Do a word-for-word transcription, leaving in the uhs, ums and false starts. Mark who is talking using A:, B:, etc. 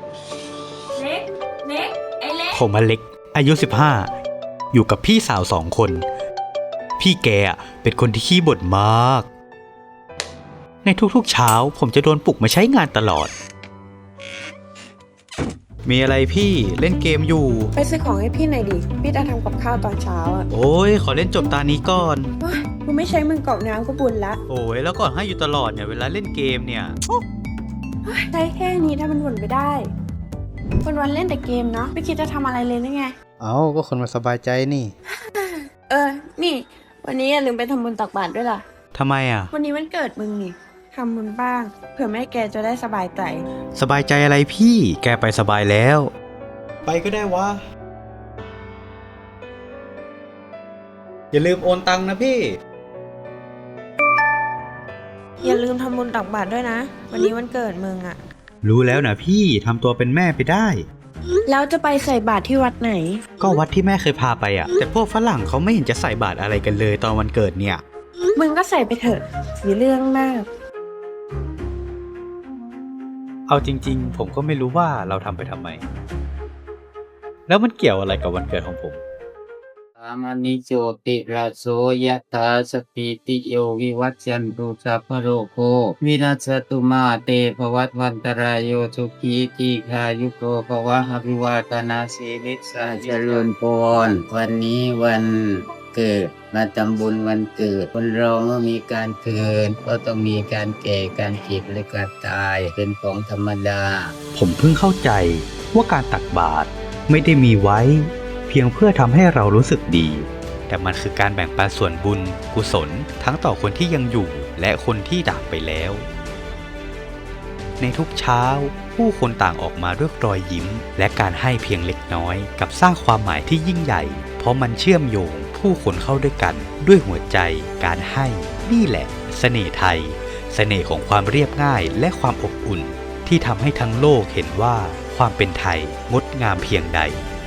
A: เล็กเล็กไอเล็ก
B: ผมอเล็กอายุสิบห้าอยู่กับพี่สาวสองคน พี่แกเป็นคนที่ขี้บ่นมาก ในทุกๆเช้าผมจะโดนปลุกมาใช้งานตลอด มีอะไรพี่เล่นเกมอยู่
C: ไปซื้อของให้พี่หน่อยดิพี่จะทำกับข้าวตอนเช้าอ่ะ
B: โอ้ยขอเล่นจบตานี้ก่อน
C: ว้ายกูไม่ใช้มือกรอกน้ำก็บุญละ
B: โอ้ยแล้วก่อนให้อยู่ตลอดเนี่ยเวลาเล่นเกมเนี่ย
C: ใช้แค่นี้ถ้ามันบ่นไปได้วันวันเล่นแต่เกมเนาะไม่คิดจะทำอะไรเลยได้ไง
D: เอาก็คนมาสบายใจนี่
C: เออนี่วันนี้อย่าลืมไปทำบุญตักบาตรด้วยล่ะ
B: ทำไมอ่ะ
C: วันนี้วันเกิดมึงนี่ทำบุญบ้างเผื่อแม่แกจะได้สบายใจ
B: สบายใจอะไรพี่แกไปสบายแล้วไปก็ได้วะอย่าลืมโอนตังค์นะพี่
C: อย่าลืมทำบุญตักบาตรด้วยนะวันนี้วันเกิดมึงอะ
B: รู้แล้วนะพี่ทำตัวเป็นแม่ไปได้
C: แล้วจะไปใส่บาตรที่วัดไหน
B: ก็วัดที่แม่เคยพาไปอ่ะแต่พวกฝรั่งเขาไม่เห็นจะใส่บาตรอะไรกันเลยตอนวันเกิดเนี่ย
C: มึงก็ใส่ไปเถอะมีเรื่องมาก
B: เอาจริงๆผมก็ไม่รู้ว่าเราทำไปทำไมแล้วมันเกี่ยวอะไรกับวันเกิดของผม
E: สามานิโจติราโสยะถาสปิติโยวิวัจจันตุสัพพโรโควินัสตุมาเตภวัตวันตรายโยสุขีทีคายุโกภวะอภิวาทนาสีลิสาเจริญพรวันนี้วันเกิดมาทำบุญวันเกิดคนเราเมื่อมีการเกิดก็ต้องมีการแก่การเจ็บและการตายเป็นของธรรมดา
B: ผมเพิ่งเข้าใจว่าการตักบาตรไม่ได้มีไว้เพียงเพื่อทำให้เรารู้สึกดีแต่มันคือการแบ่งปันส่วนบุญกุศลทั้งต่อคนที่ยังอยู่และคนที่จากไปแล้วในทุกเช้าผู้คนต่างออกมาด้วยรอยยิ้มและการให้เพียงเล็กน้อยกับสร้างความหมายที่ยิ่งใหญ่เพราะมันเชื่อมโยงผู้คนเข้าด้วยกันด้วยหัวใจการให้นี่แหละเสน่ห์ไทยเสน่ห์ของความเรียบง่ายและความอบอุ่นที่ทำให้ทั้งโลกเห็นว่าความเป็นไทยงดงามเพียงใด